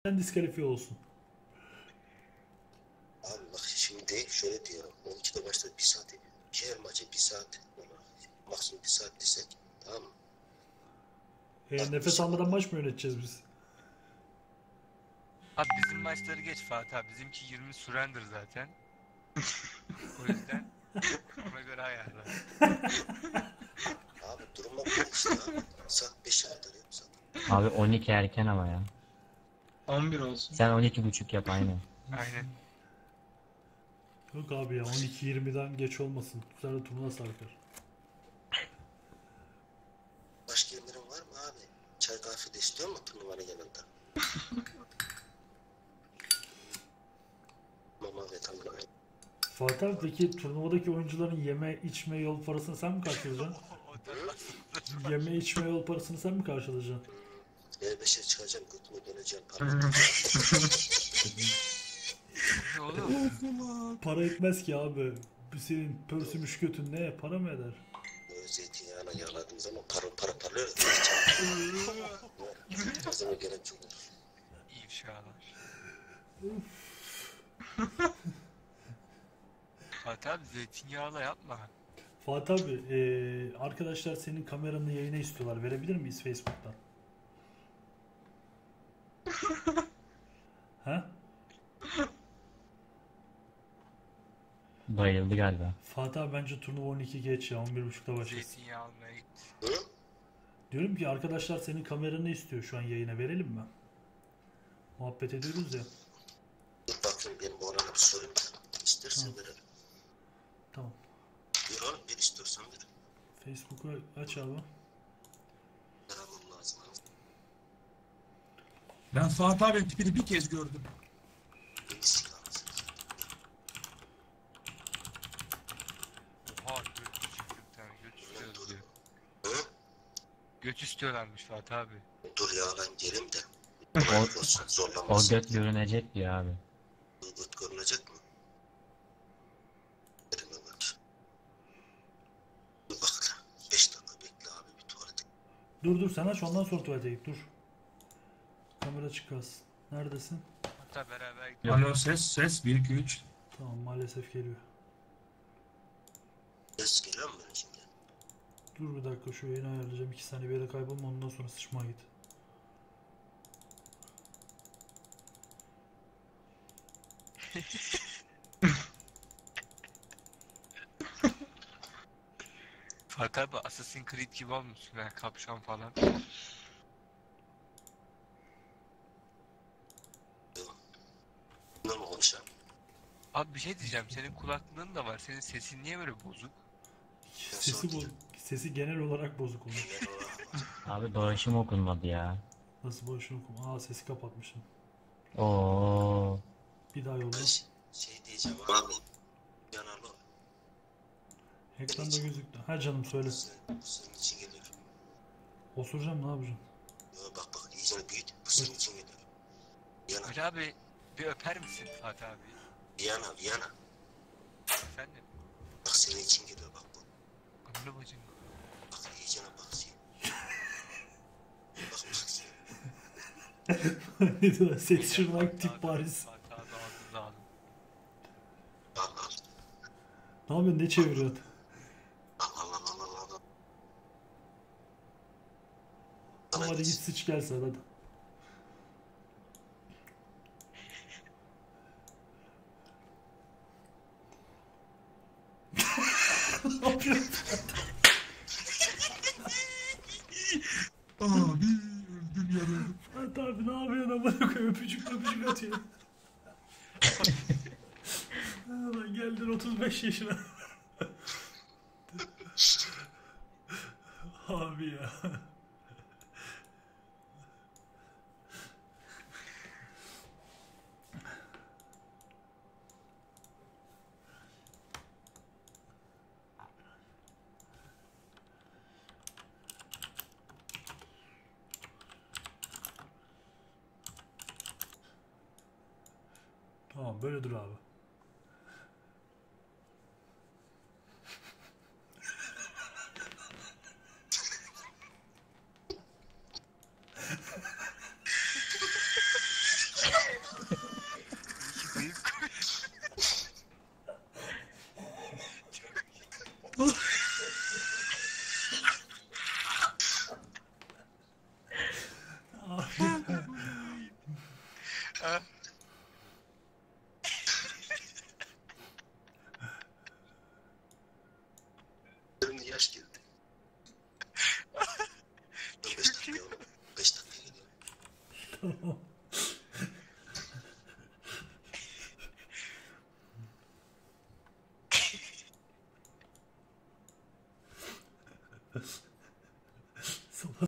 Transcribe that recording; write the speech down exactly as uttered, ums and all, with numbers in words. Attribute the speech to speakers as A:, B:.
A: diskalifiye olsun.
B: Abi bak şimdi şöyle diyor. on ikide başladı bir saat. Her maça bir saat. Maksimum bir saat desek. Tamam mı?
A: E, nefes almadan maç mı yöneteceğiz biz?
C: Abi bizim maçları geç Fatih abi. Bizimki yirmi surrender zaten. O yüzden ona göre ayarla.
B: Abi duruma göre işte abi. Saat beşe kadar yapsak.
D: Abi on iki erken ama ya.
E: on bir olsun.
D: Sen on iki buçuk yap aynen.
C: Aynen.
A: Yok abi ya on iki yirmiden geç olmasın. Güzel de turnuva sarkar.
B: Başka emrin var mı abi? Çay kahve de istiyor mu turnuvanın yanında? Mama ve tanrı.
A: Fatih abi peki turnuvadaki oyuncuların yeme içme yol parasını sen mi karşılayacaksın? Yeme içme yol parasını sen mi karşılayacaksın?
B: E beşe çıkacağım götüme döneceğim. Para
C: Ne oğlum?
A: Para etmez ki abi. Bu senin pörsümüş götün ne? Para mı eder?
B: Böyle zeytinyağına yağladığım zaman para para parlıyor. O zaman gelen çok olur.
C: İfşalar. Fatih abi zeytinyağla yapma.
A: Fatih abi e, arkadaşlar senin kameranı yayına istiyorlar. Verebilir miyiz Facebook'tan? Ha?
D: Bayıldı galiba.
A: Fatih abi bence turnuva on iki geç ya. on bir buçukta başlasın.
C: Zeytinyağı almaya git.
B: Hı?
A: Diyorum ki arkadaşlar senin kameranı istiyor şu an yayına verelim mi? Muhabbet ediyoruz ya.
B: Dur bakayım benim bu arada bir sorayım. İstersen
A: Hı.
B: verelim.
A: Tamam.
B: Bir oğlum bir istiyorsan ver.
A: Facebook'u aç abi.
B: Beraber lazım.
E: Ben Fatih abinin tipini bir kez gördüm.
B: Birisi lazım.
C: Oha göt çıktı bir tane. Göt istiyoruz diyor.
B: Hı?
C: Göt istiyorlarmış Fatih abi.
B: Dur ya ben gelim de.
D: O,
B: Olsun
D: o
B: zorlanmasın.
D: göt görünecek diyor abi.
B: Bu göt görünecek mi? Elime bak. Dur bak. Beş dakika bekle abi bir tuvalete.
A: Dur dur sen aç ondan sonra tuvalete git dur. Kamera açık kalsın. Neredesin?
C: Hatta beraber git.
D: Yok.
E: Alo ses ses bir iki üç.
A: Tamam maalesef geliyor.
B: Ses geliyor mu benim şimdi?
A: Dur bir dakika şu yayını ayarlayacağım. iki saniye bir yere kaybolma ondan sonra sıçmaya git.
C: Fatih abi Assassin's Creed gibi olmuşsun ha. Kapşon falan.
B: Ne mi konuşalım?
C: Abi bir şey diyeceğim. Senin kulaklığın da var. Senin sesin niye böyle bozuk?
A: Sesi bu sesi genel olarak bozuk olmuş.
D: Abi dolaşım okunmadı ya.
A: Nasıl boşuna okum? Aa sesi kapatmışım.
D: Oo.
A: Bir daha yolla.
B: Ben şey, şey diyeceğim abi. Yanalı.
A: Ekranda gözüktü. Ha canım söyle.
B: Senin, senin için geliyor.
A: Osuracağım ne yapacağım?
B: Yo, bak bak iyice büyüt. Bu senin için geliyor. Yana.
C: Ali abi bir öper misin Fatih abi?
B: Yana. Yana.
C: Efendim?
B: Bak senin için geliyor bak bu.
C: Anne bacım.
B: Bak iyicene bak sen. Bak bak sen.
A: Ne diyorlar? Ses şırnak tip Paris.
C: Fatih abi ağzınıza alın.
B: Al al.
A: Ne yapıyorsun? Ne çeviriyorsun?
B: Al al al al al al.
A: Tamam hadi git sıç gel sen hadi. Ne yapıyorsun?
E: Abi öldüm yarıldım.
A: Fatih abi ne yapıyorsun amına koyayım öpücük öpücük atıyor. Ha, lan geldin otuz beş yaşına. Abi ya. Tamam böyle dur abi.
C: İki zayıf koyun. Ha,
B: Gözümde yaş geldi. Dur beş dakika oğlum. Beş dakika geliyor.
A: Tamam.